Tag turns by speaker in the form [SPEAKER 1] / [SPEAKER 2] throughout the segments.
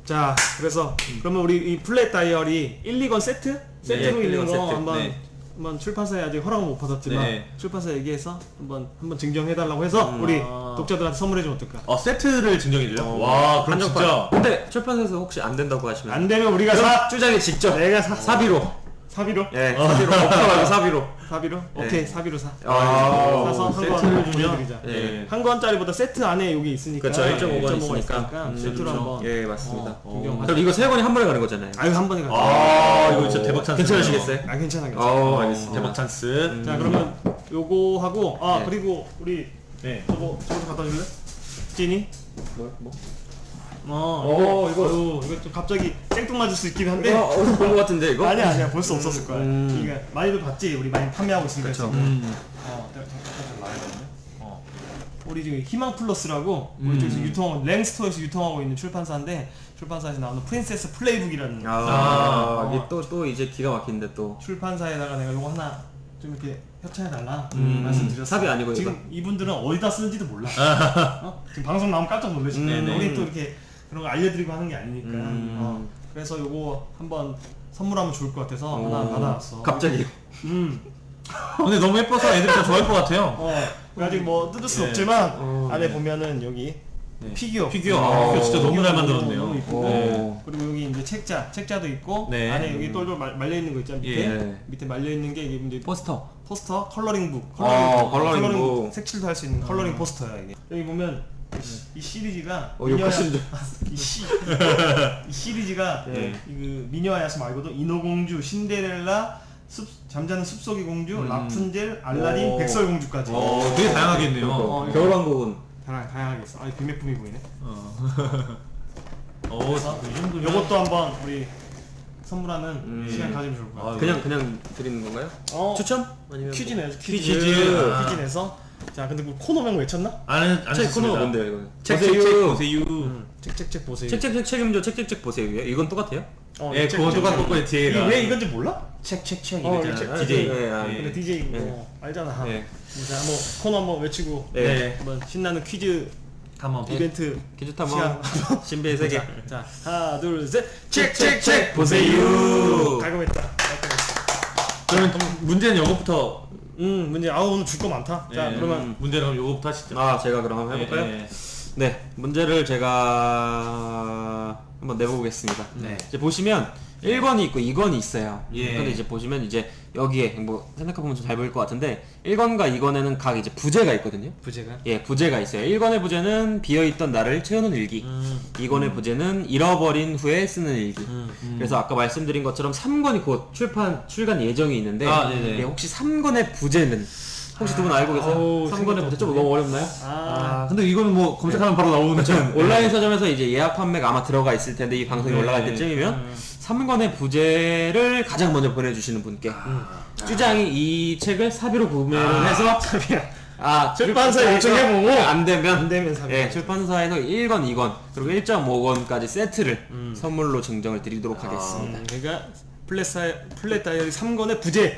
[SPEAKER 1] 자, 그래서 그러면 우리 이 플랫 다이어리 1, 2권 세트로 있는 거 한번 출판사에 아직 허락은 못 받았지만 출판사 얘기해서 한번 증정해달라고 해서 우리 독자들한테 선물해주면 어떨까?
[SPEAKER 2] 세트를 증정해줘요? 와, 그럼 진짜.
[SPEAKER 3] 근데 출판사에서 혹시 안 된다고 하시면
[SPEAKER 1] 안 되면 우리가
[SPEAKER 3] 주장에 직접
[SPEAKER 1] 내가
[SPEAKER 3] 사비로.
[SPEAKER 1] 사비로?
[SPEAKER 3] 예, 사비로. 없다 말고 사비로.
[SPEAKER 1] 사비로? 오케이, 사비로 사.
[SPEAKER 3] 사서
[SPEAKER 1] 한 권 보내드리자.
[SPEAKER 3] 예.
[SPEAKER 1] 한 권짜리보다 세트 안에 여기 있으니까.
[SPEAKER 3] 그렇죠, 1.5권 있으니까.
[SPEAKER 1] 세트로 한번.
[SPEAKER 3] 예, 맞습니다.
[SPEAKER 1] 그럼
[SPEAKER 3] 이거 3권이 한 번에 가는 거잖아요.
[SPEAKER 1] 아유, 한 번에 가자.
[SPEAKER 2] 이거 진짜 대박 찬스.
[SPEAKER 3] 괜찮으시겠어요?
[SPEAKER 1] 아, 괜찮아.
[SPEAKER 3] 알겠습니다.
[SPEAKER 2] 대박 찬스.
[SPEAKER 1] 자, 그러면 요거 하고, 그리고 우리 저거 갖다 줄래? 찐이? 이거 좀 갑자기 생뚱맞을 수 있긴 한데.
[SPEAKER 3] 본 거 같은데 이거?
[SPEAKER 1] 아니야, 볼 수 없었을 거야. 그러니까 많이도 봤지, 우리 많이 판매하고 있으니까.
[SPEAKER 3] 그쵸.
[SPEAKER 1] 우리 지금 희망 플러스라고 우리 쪽에서 유통하고 랭스토어에서 유통하고 있는 출판사인데 출판사에서 나오는 프린세스 플레이북이라는
[SPEAKER 3] 이게 또 이제 기가 막힌데 또
[SPEAKER 1] 출판사에다가 내가 요거 하나 좀 이렇게 협찬해달라 말씀드렸어.
[SPEAKER 3] 삽이 아니고
[SPEAKER 1] 지금
[SPEAKER 3] 이거?
[SPEAKER 1] 이분들은 어디다 쓰는지도 몰라. 지금 방송 나오면 깜짝 놀라실 거예요. 우리 또 이렇게 그런 거 알려드리고 하는 게 아니니까. 그래서 요거 한번 선물하면 좋을 것 같아서 하나 받아왔어.
[SPEAKER 3] 갑자기.
[SPEAKER 2] 근데 너무 예뻐서 애들이 다 좋아할 것 같아요.
[SPEAKER 1] 아직 뭐 뜯을 수 없지만 안에 보면은 여기 피규어
[SPEAKER 2] 피규어 진짜 너무 잘 만들었네요.
[SPEAKER 1] 너무 이쁘고 그리고 여기 이제 책자도 있고 안에 여기 똘똘 말려 있는 거 있잖아. 밑에 말려 있는 게 이게 이제
[SPEAKER 3] 포스터
[SPEAKER 1] 컬러링북
[SPEAKER 3] 컬러링북
[SPEAKER 1] 색칠도 할 수 있는 컬러링 포스터야 이게. 여기 보면 이 시리즈가 이 시리즈가 그 미녀와 야수 말고도 인어공주, 신데렐라, 잠자는 숲속의 공주, 라푼젤, 알라딘, 백설공주까지.
[SPEAKER 2] 되게 다양하게 있네요.
[SPEAKER 3] 겨울왕국은
[SPEAKER 1] 다양하게 있어. 구매품이 보이네.
[SPEAKER 2] 이 정도면
[SPEAKER 1] 요것도 한번 우리 선물하는 시간 가지면 좋을 것 같아요.
[SPEAKER 3] 그냥 드리는 건가요? 추첨? 아니면
[SPEAKER 1] 퀴즈 내서 퀴즈 내서. 자, 근데 그 코너명 외쳤나?
[SPEAKER 2] 안
[SPEAKER 3] 책 코너가 뭔데요 이거?
[SPEAKER 2] 책 보세요.
[SPEAKER 1] 책책책 보세요.
[SPEAKER 3] 책책책 책임져 책책책 보세요. 이건 똑같아요?
[SPEAKER 2] 그거 똑같고 뒤에가
[SPEAKER 1] 왜 이건지 몰라?
[SPEAKER 2] 책책
[SPEAKER 1] 이거잖아.
[SPEAKER 2] DJ.
[SPEAKER 1] 근데 DJ 알잖아. 자, 한번 코너 한번 외치고 한번 신나는 퀴즈
[SPEAKER 2] 한번
[SPEAKER 1] 이벤트
[SPEAKER 3] 퀴즈 탐험 신비의 세계.
[SPEAKER 1] 자, 하나, 둘, 셋.
[SPEAKER 3] 책책책 보세요.
[SPEAKER 1] 깔끔했다.
[SPEAKER 2] 그러면 문제는 요거부터.
[SPEAKER 1] 문제. 오늘 줄 거 많다. 자, 그러면
[SPEAKER 2] 문제는 요거부터 하시죠.
[SPEAKER 3] 제가 그럼 한번 해볼까요? 네, 문제를 제가 한번 내보겠습니다. 이제 보시면 1권이 있고 2권이 있어요. 근데 이제 보시면 이제 여기에 뭐 생각해보면 좀 잘 보일 것 같은데 1권과 2권에는 각 이제 부제가 있거든요. 부제가 있어요. 1권의 부제는 비어있던 나를 채우는 일기. 2권의 부제는 잃어버린 후에 쓰는 일기. 그래서 아까 말씀드린 것처럼 3권이 곧 출간 예정이 있는데 혹시 3권의 부제는 혹시 두 분 알고 계세요? 3권의 부제 좀 너무 어렵나요?
[SPEAKER 2] 근데 이거는 뭐 검색하면 바로 나오는 거죠.
[SPEAKER 3] 온라인 서점에서 이제 예약 판매가 아마 들어가 있을 텐데 이 방송이 올라갈 때쯤이면 3권의 부제를 가장 먼저 보내주시는 분께 주장이 이 책을 사비로 구매를 해서
[SPEAKER 1] 출판사에 요청해보고
[SPEAKER 3] 안 되면
[SPEAKER 1] 사비.
[SPEAKER 3] 출판사에서 1권, 2권 그리고 1.5권까지 세트를 선물로 증정을 드리도록 하겠습니다.
[SPEAKER 1] 그러니까 플랫 다이어리 3권의 부제를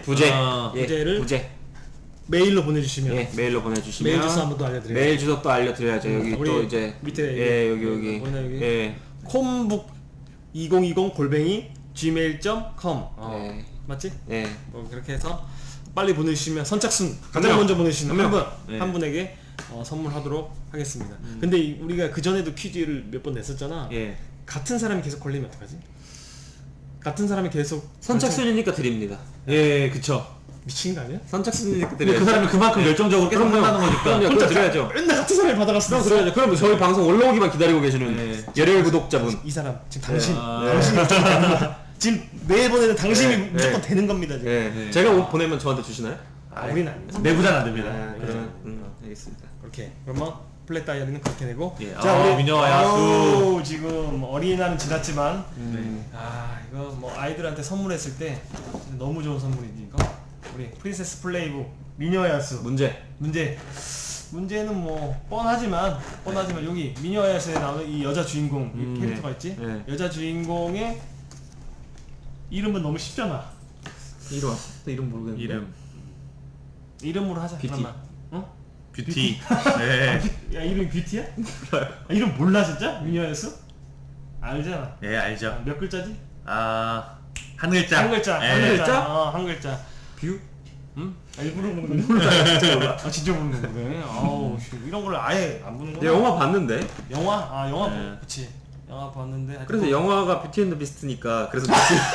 [SPEAKER 1] 메일로 보내주시면
[SPEAKER 3] 메일로 보내주시면
[SPEAKER 1] 메일 주소 한번 또 알려드려요.
[SPEAKER 3] 메일 주소 또 알려드려야죠. 여기 또 이제
[SPEAKER 1] 밑에
[SPEAKER 3] 여기
[SPEAKER 1] 콤북 2020 @gmail.com 맞지? 뭐 그렇게 해서 빨리 보내주시면 선착순 가장 먼저 보내주시는 한 분에게 선물하도록 하겠습니다. 근데 우리가 그 전에도 퀴즈를 몇 번 냈었잖아. 같은 사람이 계속 걸리면 어떡하지? 같은 사람이 계속
[SPEAKER 3] 선착순이니까 드립니다.
[SPEAKER 2] 그쵸.
[SPEAKER 1] 미친 거 아니야?
[SPEAKER 3] 선착순이니까
[SPEAKER 2] 근데
[SPEAKER 3] 드려야죠.
[SPEAKER 2] 그 사람이 그만큼 열정적으로 계속 한다는 거니까.
[SPEAKER 3] 그럼 드려야죠.
[SPEAKER 1] 맨날 같은 사람이 받아갔어.
[SPEAKER 3] 그래야죠. 그럼 저희 방송 올라오기만 기다리고 계시는 열혈 구독자분.
[SPEAKER 1] 이 사람 지금 당신이 무조건 되는 거야. 지금 매번에는 당신이 무조건 되는 겁니다. 지금.
[SPEAKER 3] 제가 옷 보내면 저한테 주시나요?
[SPEAKER 1] 우리는 아니죠.
[SPEAKER 2] 내부자는 안 됩니다.
[SPEAKER 3] 그러면 알겠습니다.
[SPEAKER 1] 그렇게 그러면 플랫 다이어리는 그렇게 되고.
[SPEAKER 2] 자, 우리 미녀와 야수
[SPEAKER 1] 지금 어린이날은 지났지만 이거 뭐 아이들한테 선물했을 때 너무 좋은 선물이니까 우리 프린세스 플레이북 미녀와 야수 문제는 뭐 뻔하지만 여기 미녀와 야수에 나오는 이 여자 주인공 이 캐릭터가 있지. 여자 주인공의 이름은 너무 쉽잖아.
[SPEAKER 3] 이름 모르겠는데.
[SPEAKER 1] 이름으로 하자.
[SPEAKER 3] 뷰티.
[SPEAKER 2] 뷰티.
[SPEAKER 1] 야, 이름이 뷰티야? 이름 몰라 진짜? 미녀와 야수? 알잖아.
[SPEAKER 2] 예, 알죠.
[SPEAKER 1] 몇 글자지?
[SPEAKER 2] 한 글자.
[SPEAKER 1] 한 글자.
[SPEAKER 2] 예.
[SPEAKER 1] 한 글자.
[SPEAKER 3] 글자?
[SPEAKER 1] 한 글자.
[SPEAKER 3] 뷰?
[SPEAKER 1] 일부러 보는 거야? 진짜 보는 거네. 아우, 씨, 이런 걸 아예 안 보는
[SPEAKER 3] 내
[SPEAKER 1] 거야?
[SPEAKER 3] 영화 봤는데.
[SPEAKER 1] 영화? 영화
[SPEAKER 2] 네.
[SPEAKER 1] 그치. 영화 봤는데. 하여튼
[SPEAKER 3] 그래서 영화가 뷰티 앤드 비스트니까 그래서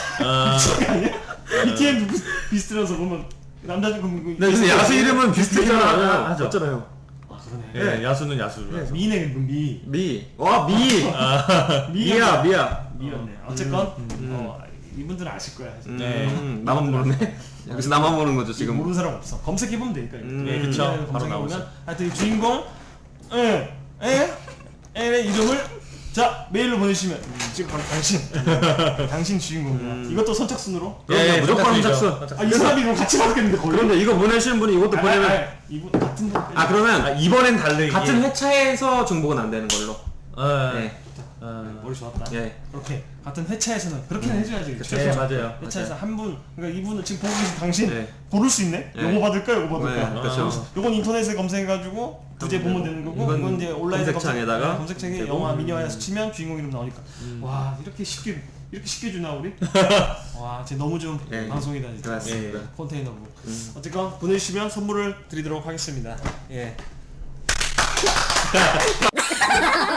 [SPEAKER 1] BTM 비스트라서 보면 남자 좀
[SPEAKER 2] 네, 근데 야수 이름은 비슷하잖아.
[SPEAKER 3] 하죠. 맞잖아요.
[SPEAKER 1] 아 그러네.
[SPEAKER 2] 예, 야수는 야수.
[SPEAKER 1] 미네 미.
[SPEAKER 3] 미. 와 미. 미야 미야.
[SPEAKER 1] 미였네. 어쨌건 이분들은 아실 거야. 사실.
[SPEAKER 3] 나만 모르네. 여기서 나만 모르는 거죠 지금.
[SPEAKER 1] 모르는 사람 없어. 검색해 보면 되니까.
[SPEAKER 2] 예, 그쵸. 바로
[SPEAKER 1] 검색해
[SPEAKER 2] 나오죠.
[SPEAKER 1] 보면 하여튼 이 주인공 의 이름을 자 메일로 보내주시면 지금 바로 당신 주인공이야. 이것도 선착순으로.
[SPEAKER 3] 예, 무조건
[SPEAKER 2] 선착순이죠.
[SPEAKER 3] 선착순.
[SPEAKER 1] 이 사람이 이거 같이 받겠는데 거의.
[SPEAKER 3] 그런데 이거 보내시는 분이 이것도 보내면
[SPEAKER 1] 이분 같은 분.
[SPEAKER 3] 그러면
[SPEAKER 2] 이번엔 다르게.
[SPEAKER 3] 같은 회차에서 중복은 안 되는 걸로. 네.
[SPEAKER 1] 머리 좋았다.
[SPEAKER 3] 예.
[SPEAKER 1] 그렇게 같은 회차에서는 그렇게는 해줘야지.
[SPEAKER 2] 네, 맞아요.
[SPEAKER 1] 회차에서 한 분, 그러니까 이분은 지금 보고 계신 당신
[SPEAKER 3] 네.
[SPEAKER 1] 고를 수 있네.
[SPEAKER 3] 네.
[SPEAKER 1] 요거 받을까, 요거 받을까.
[SPEAKER 3] 네, 그렇죠.
[SPEAKER 1] 요건 인터넷에 검색해가지고 구제 보면 되는 거고,
[SPEAKER 3] 이건
[SPEAKER 1] 이건 이제 온라인에
[SPEAKER 3] 검색창에다가
[SPEAKER 1] 검색창에
[SPEAKER 3] 되고.
[SPEAKER 1] 영화 미니화에서 치면 주인공 이름 나오니까. 와 이렇게 쉽게 주나 우리? 와, 진짜 너무 좋은
[SPEAKER 3] 네.
[SPEAKER 1] 방송이다 진짜.
[SPEAKER 3] 맞습니다.
[SPEAKER 1] 컨테이너북. 어쨌건 보내주시면 선물을 드리도록 하겠습니다. 예.